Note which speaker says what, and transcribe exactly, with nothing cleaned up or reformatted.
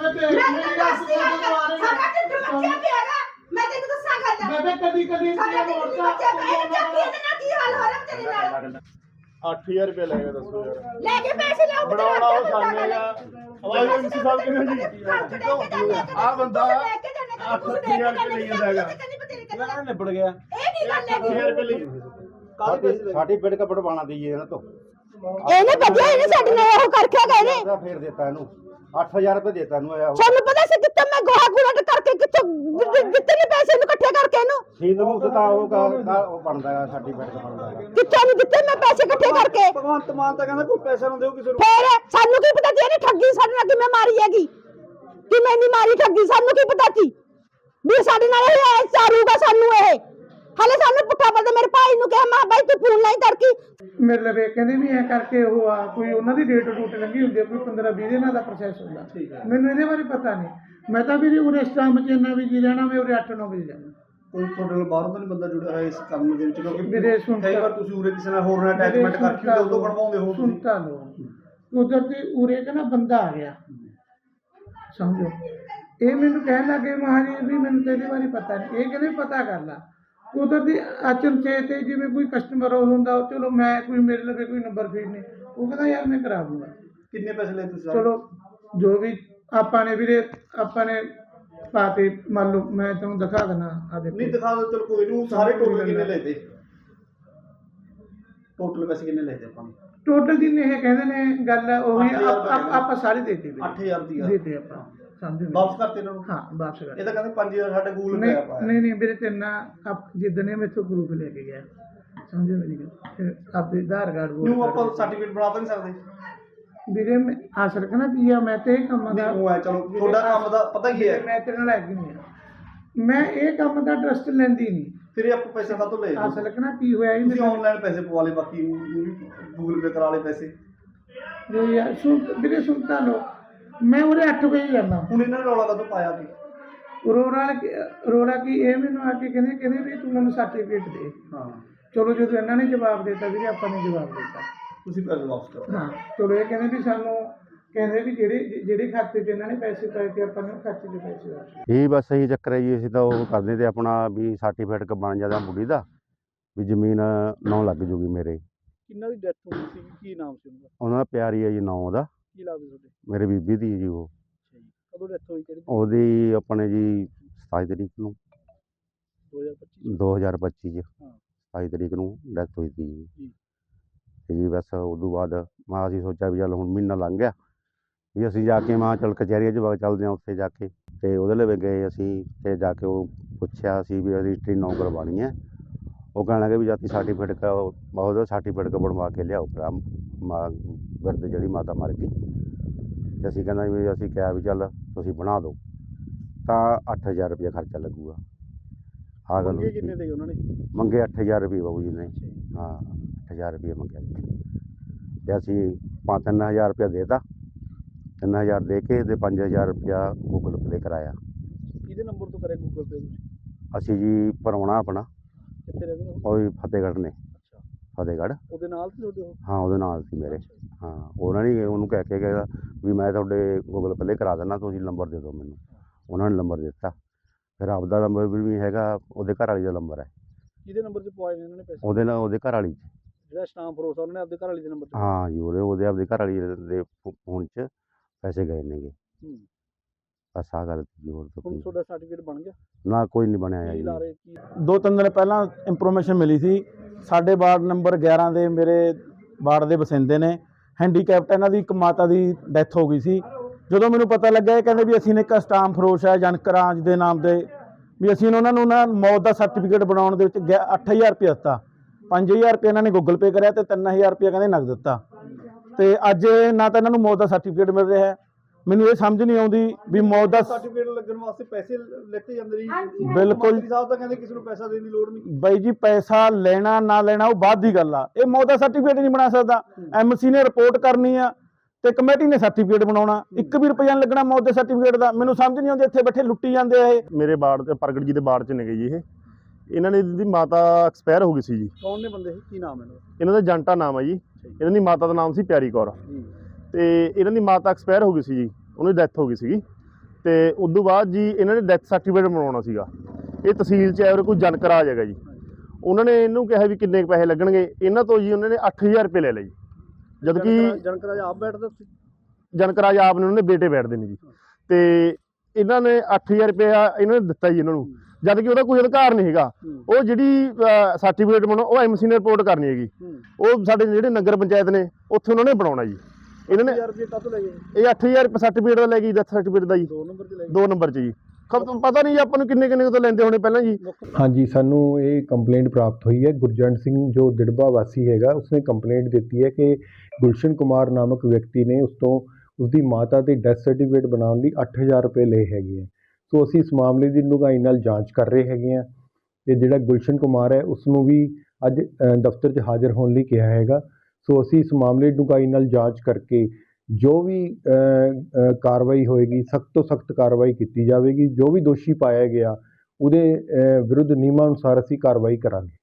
Speaker 1: मैं तेन दसा गल कदी कदी की हाल हो रहा तेरे नाल
Speaker 2: ਅੱਠ ਹਜ਼ਾਰ ਰੁਪਏ ਲੈ ਗਏ ਦੱਸੋ ਯਾਰ
Speaker 1: लेके पैसे लाओ
Speaker 2: ਬਣਾਉਣਾ ਉਹ ਸਾਨੇ ਆ ਆਵਾਜ਼ ਐਮਸੀ ਸਾਹਿਬ ਕਿਹਨੇ ਜੀ ਆ ਬੰਦਾ ਅੱਠ ਹਜ਼ਾਰ ਰੁਪਏ ਲਈ ਜਾਂਦਾ ਹੈਗਾ
Speaker 3: ਇਹਨਾਂ ਨੇ ਨਿਬੜ ਗਿਆ
Speaker 1: ਇਹ ਕੀ ਗੱਲ
Speaker 2: ਅੱਠ ਹਜ਼ਾਰ ਰੁਪਏ ਲਈ
Speaker 3: सर्टिफिकेट का बनवाना दीजिए ना तो
Speaker 1: ਇਹਨੇ ਵਧੀਆ ਇਹਨੇ ਸਾਡੇ ਨਾਲ ਉਹ ਕਰਕੇ ਗਏ ਨੇ
Speaker 3: फिर देता है आठ हजार रुपए देता है
Speaker 1: ਸਾਨੂੰ ਪਤਾ ਸੀ ਕਿੱਥੇ ਮੈਂ ਗੋਹਾ ਗੁਲਟ ਕਰਕੇ ਕਿੱਥੋਂ ਦਿੱਤੇ ਨੇ ਪੈਸੇ ਨੂੰ ਇਕੱਠੇ ਕਰਕੇ ਇਹਨੂੰ
Speaker 3: सीध मुक्त का वो बनता है सर्टिफिकेट का बनता है
Speaker 1: ਕਿੱਥੋਂ ਨਹੀਂ ਦਿੱਤੇ ਮੈਂ ਪੈਸੇ ਇਕੱਠੇ ਕਰਕੇ
Speaker 2: ਭਗਵੰਤ ਮਾਨ ਤਾਂ ਕਹਿੰਦਾ ਕੋਈ ਪੈਸਾ ਨਾ ਦਿਓ ਕਿਸੇ ਨੂੰ
Speaker 1: ਫੇਰ ਸਾਨੂੰ ਕੀ ਪਤਾ ਸੀ ਇਹਨੇ ਠੱਗੀ ਸਾਡੇ ਨਾਲ ਕਿਵੇਂ ਮਾਰੀ ਹੈਗੀ ਕਿਵੇਂ ਨਹੀਂ ਮਾਰੀ ਠੱਗੀ ਸਾਨੂੰ ਕੀ ਪਤਾ ਸੀ ਵੀ ਸਾਡੇ ਨਾਲ ਇਹ ਚਾਰੂਗਾ ਸਾਨੂੰ ਇਹ ਹਲੇ ਸਾਨੂੰ ਪੁੱਠਾ ਬੋਲਦੇ ਮੇਰੇ ਭਾਈ ਨੂੰ ਕਿਹਾ ਮੈਂ ਬਾਈ ਤੂੰ ਫੋਨ ਨਹੀਂ ਕਰਕੀ
Speaker 4: ਮੇਰੇ ਲਵੇ ਕਹਿੰਦੇ ਵੀ ਐ ਕਰਕੇ ਉਹ ਆ ਕੋਈ ਉਹਨਾਂ ਦੀ ਡੇਟ ਡੂਟ ਲੱਗੀ ਹੁੰਦੀ ਕੋਈ ਪੰਦਰਾਂ ਵੀਹ ਦਿਨਾਂ ਦਾ ਪ੍ਰੋਸੈਸ ਹੁੰਦਾ ਮੈਨੂੰ ਇਹਦੇ ਬਾਰੇ ਪਤਾ ਨਹੀਂ ਮੈਂ ਤਾਂ ਵੀ ਉਰੇ ਸਟਾਮ ਚ ਇੰਨਾ ਵੀ ਜੀ ਰਹਿਣਾ ਮੈਂ ਉਰੇ ਅੱਠ ਨੌ ਵਜੇ ਜਾਣਾ
Speaker 2: ਕੋਈ ਤੁਹਾਡੇ ਨਾਲ ਬਾਹਰੋਂ ਤਾਂ ਨਹੀਂ ਬੰਦਾ ਜੁੜਿਆ ਹੋਇਆ ਇਸ ਕੰਮ ਦੇ ਵਿੱਚ ਕਿਉਂਕਿ
Speaker 4: ਮੇਰੇ ਸੁਣ
Speaker 2: ਕਈ ਵਾਰ ਤੁਸੀਂ ਉਰੇ ਕਿਸੇ ਨਾਲ ਹੋਰ ਨਾਲ ਅਟੈਚਮੈਂਟ ਕਰਕੇ ਉਦੋਂ ਬਣਵਾਉਂਦੇ ਹੋ
Speaker 4: ਸੁਣਤਾ ਲੋ ਉਧਰ ਤੇ ਉਰੇ ਤੇ ਨਾ ਬੰਦਾ ਆ ਗਿਆ ਸਮਝੋ ਇਹ ਮੈਨੂੰ ਕਹਿਣ ਲੱਗੇ ਮਹਾਰਾਜ ਵੀ ਮੈਨੂੰ ਤੇਰੇ ਬਾਰੇ ਪਤਾ ਨਹੀਂ ਇਹ ਕਹਿੰਦੇ ਪਤਾ ਕਰ ਲਾ ਉਧਰ ਦੀ ਅਚਨ ਚੇਤ ਜਿਵੇਂ ਕੋਈ ਕਸਟਮਰ ਹੁੰਦਾ ਚਲੋ ਮੈਂ ਕੋਈ ਮੇਰੇ ਲਵੇ ਕੋਈ ਨੰਬਰ ਫੀਡ ਨਹੀਂ ਉਹ ਕਹਿੰਦਾ ਯਾਰ ਮੈਂ ਕਰਾ ਦੂੰਗਾ
Speaker 2: ਕਿੰਨੇ ਪੈਸੇ ਲਏ ਤੁਸੀਂ
Speaker 4: ਚਲੋ ਜੋ ਵੀ ਆਪਾਂ ਨੇ ਵੀਰੇ ਆਪਾਂ ਨੇ ਪਾਤੇ ਮੰਨ ਲਓ ਮੈਂ ਤੁਹਾਨੂੰ ਦਿਖਾ ਦੇਣਾ ਆ ਦੇਖੋ
Speaker 2: ਨਹੀਂ ਦਿਖਾ ਦਿਓ ਚਲ ਕੋਈ ਨੂੰ ਸਾਰੇ ਟੋਟਲ ਕਿੰਨੇ ਲਏ ਤੇ ਟੋਟਲ ਪੈਸੇ ਕਿੰਨੇ ਲਏ ਤੇ ਆਪਾਂ
Speaker 4: ਟੋਟਲ ਜਿੰਨੇ ਇਹ ਕਹਿੰਦੇ ਨੇ ਗੱਲ ਉਹੀ ਆਪਾਂ ਸਾਰੇ ਦੇਤੇ ਵੀਰੇ
Speaker 2: ਅੱਠ ਹਜ਼ਾਰ ਦੀ
Speaker 4: ਦੇਤੇ ਆਪਾਂ ਸਮਝੋ
Speaker 2: ਵਾਪਸ ਕਰਤੇ ਇਹਨਾਂ ਨੂੰ
Speaker 4: ਹਾਂ ਵਾਪਸ ਕਰ
Speaker 2: ਇਹ ਤਾਂ ਕਹਿੰਦੇ ਪੰਜ ਹਜ਼ਾਰ ਸਾਡੇ ਗੂਗਲ ਪੇ
Speaker 4: ਨਹੀਂ
Speaker 2: ਆ ਪਾਇਆ
Speaker 4: ਨਹੀਂ ਨਹੀਂ ਵੀਰੇ ਤੇਨਾ ਆਪ ਜਿੱਦਨੇ ਮੈਥੋਂ ਗਰੁੱਪ ਲੈ ਕੇ ਗਿਆ ਸਮਝੋ ਮੇਰੀ ਗੱਲ ਆਪਦੇ ਆਧਾਰ ਕਾਰਡ
Speaker 2: ਨੂੰ ਆਪਾਂ ਸਰਟੀਫਿਕੇਟ ਬਣਾ ਤਾਂ ਨਹੀਂ ਸਕਦੇ
Speaker 4: ਵੀਰੇ ਮੈਂ ਅਸਲ ਕਹਣਾ ਕੀ ਆ ਮੈਂ ਤੇ ਇਹ ਕੰਮ ਦਾ
Speaker 2: ਉਹ ਹੈ ਚਲੋ ਤੁਹਾਡਾ ਕੰਮ ਦਾ ਪਤਾ ਕੀ ਹੈ
Speaker 4: ਮੈਂ ਤੇਰੇ ਨਾਲ ਲੱਗ ਨਹੀਂ ਆ ਮੈਂ ਇਹ ਕੰਮ ਦਾ ਟਰਸਟ ਲੈਂਦੀ ਨਹੀਂ
Speaker 2: ਫਿਰ ਆਪਾਂ ਪੈਸੇ ਕਾਹਤੋਂ ਲਏ
Speaker 4: ਅਸਲ ਕਹਣਾ ਕੀ ਹੋਇਆ ਇਹ
Speaker 2: ਤੁਸੀਂ ਆਨਲਾਈਨ ਪੈਸੇ ਪਵਾ ਲਏ ਬਾਕੀ ਗੂਗਲ ਪੇ ਕਰਾ ਲਏ ਪੈਸੇ
Speaker 4: ਜੋ ਯਾਰ ਸੁਣ ਵੀਰੇ ਸੁਣਤਾ ਲੋ ਮੈਂ ਉਹਦੇ ਅੱਠ ਵਜੇ ਜਾਂਦਾ
Speaker 2: ਹੁਣ ਇਹਨਾਂ ਨੇ ਰੌਲਾ ਕਦੋਂ ਪਾਇਆ ਕਿ
Speaker 4: ਰੋੜਾ ਰੋੜਾ ਕੀ ਇਹ ਮੈਨੂੰ ਆ ਕੇ ਕਹਿੰਦੇ ਕਹਿੰਦੇ ਵੀ ਤੂੰ ਮੈਨੂੰ ਸਰਟੀਫਿਕੇਟ ਦੇ
Speaker 2: ਹਾਂ
Speaker 4: ਚਲੋ ਜਦੋਂ ਇਹਨਾਂ ਨੇ ਜਵਾਬ ਦਿੱਤਾ ਵੀਰੇ ਆਪਾਂ ਨੇ ਜਵਾਬ ਦਿੱਤਾ
Speaker 2: ਤੁਸੀਂ ਪੈਸੇ ਵਾਪਸ ਕਰੋ
Speaker 4: ਹਾਂ ਚਲੋ ਇਹ ਕਹਿੰਦੇ ਵੀ ਸਾਨੂੰ ਕਹਿੰਦੇ ਵੀ ਜਿਹੜੇ ਜਿਹੜੇ ਖਾਤੇ 'ਚ ਇਹਨਾਂ ਨੇ ਪੈਸੇ ਪਾਏ ਤੇ ਆਪਾਂ ਨੂੰ ਖਾਤੇ 'ਚ ਪੈਸੇ ਵਾਪਸ
Speaker 3: ਇਹ ਬਸ ਇਹੀ ਚੱਕਰ ਹੈ ਜੀ ਅਸੀਂ ਤਾਂ ਉਹ ਕਰਦੇ ਤੇ ਆਪਣਾ ਵੀ ਸਰਟੀਫਿਕੇਟ ਬਣ ਜਾਂਦਾ ਮੁੰਡੀ ਦਾ ਵੀ ਜ਼ਮੀਨ ਨੌ ਲੱਗ ਜੂਗੀ ਮੇਰੇ
Speaker 2: ਕਿੰਨਾ ਦੀ ਡੈਥ ਹੋਈ ਸੀ ਕੀ ਨਾਮ ਸੀ ਉਹਦਾ
Speaker 3: ਉਹਨਾਂ ਦਾ ਪਿਆਰੀ ਹੈ ਜੀ ਨੌ ਉਹਦਾ
Speaker 2: ਕੀ ਲੱਗਦਾ ਤੁਹਾਡੇ
Speaker 3: ਮੇਰੇ ਬੀਬੀ ਦੀ ਜੀ ਉਹ
Speaker 2: ਅੱਛਾ ਜੀ ਕਦੋਂ ਡੈਥ ਹੋਈ ਕਿਹੜੀ
Speaker 3: ਉਹਦੀ ਆਪਣੇ ਜੀ ਸਤਾਈ ਤਰੀਕ ਨੂੰ ਦੋ ਹਜ਼ਾਰ ਪੱਚੀ 'ਚ
Speaker 2: ਹਾਂ
Speaker 3: ਸਤਾਈ ਤਰੀਕ ਨੂੰ ਡੈਥ ਹੋਈ ਸੀ ਜੀ
Speaker 2: ਜੀ
Speaker 3: ਤੇ ਜੀ ਬਸ ਉਦੋਂ ਬਾਅਦ ਮੈਂ ਅਸੀਂ ਸੋਚਿਆ ਵੀ ਚੱਲ ਹੁਣ ਮਹੀਨਾ ਲੰਘ ਗਿਆ ਵੀ ਅਸੀਂ ਜਾ ਕੇ ਮਾਂ ਚਲ ਕਚਹਿਰੀਆਂ 'ਚ ਵਗ ਚੱਲਦੇ ਹਾਂ ਉੱਥੇ ਜਾ ਕੇ ਤੇ ਉਹਦੇ ਲਈ ਗਏ ਅਸੀਂ ਤੇ ਜਾ ਕੇ ਉਹ ਪੁੱਛਿਆ ਸੀ ਵੀ ਰਜਿਸਟਰੀ ਨੌ ਕਰਵਾਉਣੀ ਹੈ ਉਹ ਕਹਿਣ ਲੱਗੇ ਵੀ ਜਾਤੀ ਸਰਟੀਫਿਕੇਟ का ਉਹਦਾ ਸਰਟੀਫਿਕੇਟ का ਬਣਵਾ ਕੇ ਲਿਆਓ ਭਰਾ ਮਾਂ ਬਿਰਧ ਜਿਹੜੀ ਮਾਤਾ ਮਰ ਗਈ ਤੇ ਅਸੀਂ ਕਹਿੰਦਾ ਵੀ ਅਸੀਂ ਕਿਹਾ ਵੀ ਚੱਲ ਤੁਸੀਂ ਬਣਾ ਦਿਓ ਤਾਂ ਅੱਠ ਹਜ਼ਾਰ ਰੁਪਇਆ ਖਰਚਾ ਲੱਗੂਗਾ ਆਹ ਗੱਲ
Speaker 2: ਮੰਗੇ ਕਿੰਨੇ ਦੇ ਉਹਨਾਂ ਨੇ
Speaker 3: ਮੰਗੇ ਅੱਠ ਹਜ਼ਾਰ ਰੁਪਏ ਬਾਬੂ ਜੀ ਨੇ ਹਾਂ ਅੱਠ ਹਜ਼ਾਰ ਰੁਪਏ ਮੰਗਿਆ ਜੀ ਤੇ ਅਸੀਂ ਪੰਜ ਤਿੰਨ ਹਜ਼ਾਰ ਰੁਪਇਆ ਦੇਤਾ ਤਿੰਨ ਹਜ਼ਾਰ ਦੇ ਕੇ ਤੇ ਪੰਜ ਹਜ਼ਾਰ ਰੁਪਇਆ ਗੂਗਲ ਪੇ ਕਰਾਇਆ
Speaker 2: ਕਿਹਦੇ ਨੰਬਰ ਤੋਂ ਕਰੇ ਗੂਗਲ ਪੇ ਤੁਸੀਂ
Speaker 3: ਅਸੀਂ ਜੀ ਭਰਾਉਣਾ ਆਪਣਾ
Speaker 2: ਕਿੱਥੇ ਰਹਿੰਦੇ ਹੋ
Speaker 3: ਉਹ ਵੀ ਫਤਿਹਗੜ੍ਹ ਨੇ
Speaker 2: ਅੱਛਾ
Speaker 3: ਫਤਿਹਗੜ੍ਹ
Speaker 2: ਉਹਦੇ ਨਾਲ ਸੀ ਤੁਹਾਡੇ ਉਹ
Speaker 3: ਹਾਂ ਉਹਦੇ ਨਾਲ ਸੀ ਮੇਰੇ ਹਾਂ ਉਹਨਾਂ ਨੇ ਉਹਨੂੰ ਕਹਿ ਕੇ ਗਿਆ ਵੀ ਮੈਂ ਤੁਹਾਡੇ ਗੂਗਲ ਪੇ ਕਰਾ ਦਿੰਦਾ ਤੁਸੀਂ ਨੰਬਰ ਦੇ ਦਿਓ ਮੈਨੂੰ ਉਹਨਾਂ ਨੇ ਨੰਬਰ ਦਿੱਤਾ ਫਿਰ ਆਪਦਾ ਨੰਬਰ ਵੀ ਹੈਗਾ ਉਹਦੇ ਘਰ ਵਾਲੀ ਦਾ ਨੰਬਰ ਹੈ
Speaker 2: ਕਿਹਦੇ ਨੰਬਰ 'ਚ ਪਵਾਏ ਨੇ ਇਹਨਾਂ ਨੇ ਪੈਸੇ
Speaker 3: ਉਹਦੇ ਨਾਲ ਉਹਦੇ ਘਰ ਵਾਲੀ 'ਚ
Speaker 2: ਜਿਹੜਾ ਸਟਾਂਪ ਫਰੋਸ ਉਹਨੇ ਆਪਦੇ ਘਰ ਵਾਲੀ ਦੇ ਨੰਬਰ 'ਤੇ
Speaker 3: ਹਾਂ ਜੀ ਉਹਦੇ ਉਹਦੇ ਆਪਦੇ ਘਰ ਵਾਲੀ ਦੇ ਫੋਨ 'ਚ ਪੈਸੇ ਗਏ ਨੇਗੇ
Speaker 2: ਹੂੰ
Speaker 3: ਬਸ ਆਹ ਗੱਲ ਜੀ ਹੋਰ ਤਾਂ
Speaker 2: ਹੁਣ
Speaker 3: ਕੋਈ
Speaker 2: ਤੁਹਾਡਾ ਸਰਟੀਫਿਕੇਟ ਬਣ ਗਿਆ
Speaker 3: ਨਾ ਕੋਈ ਨਹੀਂ ਬਣਿਆ
Speaker 2: ਕੀ
Speaker 3: ਜੀ
Speaker 2: ਲਾ ਰਹੇ ਕੀ
Speaker 5: ਦੋ ਤਿੰਨ ਦਿਨ ਪਹਿਲਾਂ ਇੰਫੋਰਮੇਸ਼ਨ ਮਿਲੀ ਸੀ ਸਾਡੇ ਵਾਰਡ ਨੰਬਰ ਗਿਆਰਾਂ ਦੇ ਮੇਰੇ ਵਾਰਡ ਦੇ ਵਸਿੰਦੇ ਨੇ ਹੈਂਡੀਕੈਪਟ ਇਹਨਾਂ ਦੀ ਇੱਕ ਮਾਤਾ ਦੀ ਡੈਥ ਹੋ ਗਈ ਸੀ ਜਦੋਂ ਮੈਨੂੰ ਪਤਾ ਲੱਗਾ ਇਹ ਕਹਿੰਦੇ ਵੀ ਅਸੀਂ ਨੇ ਇੱਕ ਸਟਾਂਪ ਫਰੋਸ਼ ਹੈ ਜਨਕਰਾਜ ਦੇ ਨਾਮ ਦੇ ਵੀ ਅਸੀਂ ਉਹਨਾਂ ਨੂੰ ਨਾ ਮੌਤ ਦਾ ਸਰਟੀਫਿਕੇਟ ਬਣਾਉਣ ਦੇ ਵਿੱਚ ਅੱਠ ਹਜ਼ਾਰ ਰੁਪਏ ਦਿੱਤਾ ਪੰਜ ਹਜ਼ਾਰ ਰੁਪਏ ਇਹਨਾਂ ਨੇ ਗੂਗਲ ਪੇ ਕਰਿਆ ਤੇ ਤਿੰਨ ਹਜ਼ਾਰ ਰੁਪਏ ਕਹਿੰਦੇ ਨਗਦ ਦਿੱਤਾ ਤੇ ਅੱਜ ਨਾ ਤਾਂ ਇਹਨਾਂ ਨੂੰ ਮੌਤ ਦਾ ਸਰਟੀਫਿਕੇਟ ਮਿਲ ਰਿਹਾ ਹੈ ਮੈਨੂੰ ਇਹ ਸਮਝ ਨਹੀਂ ਆਉਂਦੀ ਵੀ ਮੌਤ ਦਾ
Speaker 2: ਸਰਟੀਫਿਕੇਟ ਲੱਗਣ ਵਾਸਤੇ ਪੈਸੇ ਲੈਤੇ ਜਾਂਦੇ ਜੀ
Speaker 5: ਬਿਲਕੁਲ
Speaker 2: ਮੰਤਰੀ ਸਾਹਿਬ ਤਾਂ ਕਹਿੰਦੇ ਕਿਸੇ ਨੂੰ ਪੈਸਾ ਦੇਣ ਦੀ ਲੋੜ ਨਹੀਂ
Speaker 5: ਬਾਈ ਜੀ ਪੈਸਾ ਲੈਣਾ ਨਾ ਲੈਣਾ ਉਹ ਬਾਅਦ ਦੀ ਗੱਲ ਆ ਇਹ ਮੌਤ ਦਾ ਸਰਟੀਫਿਕੇਟ ਨਹੀਂ ਬਣਾ ਸਕਦਾ ਐਮਸੀ ਨੇ ਰਿਪੋਰਟ ਕਰਨੀ ਆ ਤੇ ਕਮੇਟੀ ਨੇ ਸਰਟੀਫਿਕੇਟ ਬਣਾਉਣਾ ਇੱਕ ਵੀ ਰੁਪਈਆ ਲੱਗਣਾ ਮੌਤ ਦੇ ਸਰਟੀਫਿਕੇਟ ਦਾ ਮੈਨੂੰ ਸਮਝ ਨਹੀਂ ਆਉਂਦੀ ਇੱਥੇ ਬੈਠੇ ਲੁੱਟੀ ਜਾਂਦੇ ਆ ਇਹ
Speaker 2: ਮੇਰੇ ਬਾੜ ਤੇ ਪ੍ਰਗਟ ਜੀ ਦੇ ਬਾੜ 'ਚ ਨੇ ਗਏ ਜੀ ਇਹ ਇਹਨਾਂ ਨੇ ਦੀ ਮਾਤਾ ਐਕਸਪਾਇਰ ਹੋ ਗਈ ਸੀ ਜੀ ਕੌਣ ਨੇ ਬੰਦੇ ਕੀ ਨਾਮ ਇਹਨਾਂ ਦਾ ਇਹਨਾਂ ਦਾ ਜੰਟਾ ਨਾਮ ਹੈ ਜੀ ਇਹਨਾਂ ਦੀ ਮਾਤਾ ਦਾ ਨਾਮ ਸੀ ਪਿਆਰੀ ਕੌਰ ਤੇ ਇਹਨਾਂ ਦੀ ਮਾਤਾ ਐਕਸਪਾਇਰ ਹੋ ਗਈ ਸੀ ਜੀ ਉਹਨੂੰ ਡੈਥ ਹੋ ਗਈ ਸੀਗੀ ਤੇ ਉਸ ਤੋਂ ਬਾਅਦ ਜੀ ਇਹਨਾਂ ਨੇ ਡੈਥ ਸਰਟੀਫਿਕੇਟ ਬਣਾਉਣਾ ਸੀਗਾ। ਇਹ ਤਹਿਸੀਲ 'ਚ ਹੈ ਕੋਈ ਜਨਕਰਾਜ ਹੈਗਾ ਜੀ। ਉਹਨਾਂ ਨੇ ਇਹਨੂੰ ਕਿਹਾ ਵੀ ਕਿੰਨੇ ਕੁ ਪੈਸੇ ਲੱਗਣਗੇ, ਇਹਨਾਂ ਤੋਂ ਜੀ ਉਹਨਾਂ ਨੇ ਅੱਠ ਹਜ਼ਾਰ ਰੁਪਏ ਲੈ ਲਏ ਜੀ। ਜਦ ਕਿ
Speaker 6: ਜਨਕਰਾਜ ਆਪ ਬੈਠਦਾ ਸੀ,
Speaker 2: ਜਨਕਰਾਜ ਆਪ ਨੇ ਉਹਨਾਂ ਦੇ ਬੇਟੇ ਬੈਠਦੇ ਨੇ ਜੀ, ਤੇ ਇਹਨਾਂ ਨੇ ਅੱਠ ਹਜ਼ਾਰ ਰੁਪਇਆ ਇਹਨਾਂ ਨੇ ਦਿੱਤਾ ਜੀ ਇਹਨਾਂ ਨੂੰ, ਜਦ ਕਿ ਉਹਦਾ ਕੋਈ ਅਧਿਕਾਰ ਨਹੀਂ ਹੈਗਾ। ਉਹ ਜਿਹੜੀ ਸਰਟੀਫਿਕੇਟ ਬਣਾਉਣਾ ਉਹ ਐਮਸੀ ਨੇ ਰਿਪੋਰਟ ਕਰਨੀ ਹੈਗੀ, ਉਹ ਸਾਡੇ ਜਿਹੜੇ ਨਗਰ ਪੰਚਾਇਤ ਨੇ ਉੱਥੇ ਉਹਨਾਂ ਨੇ ਬਣਾਉਣਾ ਜੀ। ਇਹਨਾਂ ਨੇ
Speaker 6: ਰੁਪਏ ਕਾਹਤੋਂ ਲੈ ਗਏ?
Speaker 2: ਇਹ ਅੱਠ ਹਜ਼ਾਰ ਰੁਪਏ ਸਰਟੀਫਿਕੇਟ ਦਾ ਲੈ ਗਈ, ਡੈਥ ਸਰਟੀਫਿਕੇਟ ਦਾ ਜੀ,
Speaker 6: ਦੋ ਨੰਬਰ 'ਚ ਲੈ ਗਏ।
Speaker 2: ਦੋ ਨੰਬਰ 'ਚ ਜੀ। ਖਬ ਪਤਾ ਨਹੀਂ ਜੀ ਆਪਾਂ ਨੂੰ ਕਿੰਨੇ ਕਿੰਨੇ ਤੋਂ ਲੈਂਦੇ ਹੋਣੇ ਪਹਿਲਾਂ ਜੀ।
Speaker 7: ਹਾਂਜੀ, ਸਾਨੂੰ ਇਹ ਕੰਪਲੇਂਟ ਪ੍ਰਾਪਤ ਹੋਈ ਹੈ। ਗੁਰਜੰਟ ਸਿੰਘ ਜੋ ਦਿੜਬਾ ਵਾਸੀ ਹੈਗਾ, ਉਸਨੇ ਕੰਪਲੇਂਟ ਦਿੱਤੀ ਹੈ ਕਿ ਗੁਲਸ਼ਨ ਕੁਮਾਰ ਨਾਮਕ ਵਿਅਕਤੀ ਨੇ ਉਸ ਤੋਂ ਉਸਦੀ ਮਾਤਾ ਦੇ ਡੈਥ ਸਰਟੀਫਿਕੇਟ ਬਣਾਉਣ ਲਈ ਅੱਠ ਹਜ਼ਾਰ ਰੁਪਏ ਲਏ ਹੈਗੇ ਹੈ। ਸੋ ਅਸੀਂ ਇਸ ਮਾਮਲੇ ਦੀ ਡੂੰਘਾਈ ਨਾਲ ਜਾਂਚ ਕਰ ਰਹੇ ਹੈਗੇ ਹਾਂ। ਤੇ ਜਿਹੜਾ ਗੁਲਸ਼ਨ ਕੁਮਾਰ ਹੈ ਉਸ ਨੂੰ ਵੀ ਅੱਜ ਅ, ਦਫ਼ਤਰ 'ਚ ਹਾਜ਼ਰ ਹੋਣ ਲਈ ਕਿਹਾ ਹੈਗਾ। ਸੋ ਅਸੀਂ ਇਸ ਮਾਮਲੇ ਦੀ ਡੂੰਘਾਈ ਨਾਲ ਜਾਂਚ ਕਰਕੇ ਜੋ ਵੀ ਅ, ਅ, ਕਾਰਵਾਈ ਹੋਏਗੀ, ਸਖਤ ਤੋਂ ਸਖਤ ਕਾਰਵਾਈ ਕੀਤੀ ਜਾਵੇਗੀ। ਜੋ ਵੀ ਦੋਸ਼ੀ ਪਾਇਆ ਗਿਆ ਉਹਦੇ ਅ, ਵਿਰੁੱਧ ਨਿਯਮਾਂ ਅਨੁਸਾਰ ਅਸੀਂ ਕਾਰਵਾਈ ਕਰਾਂਗੇ।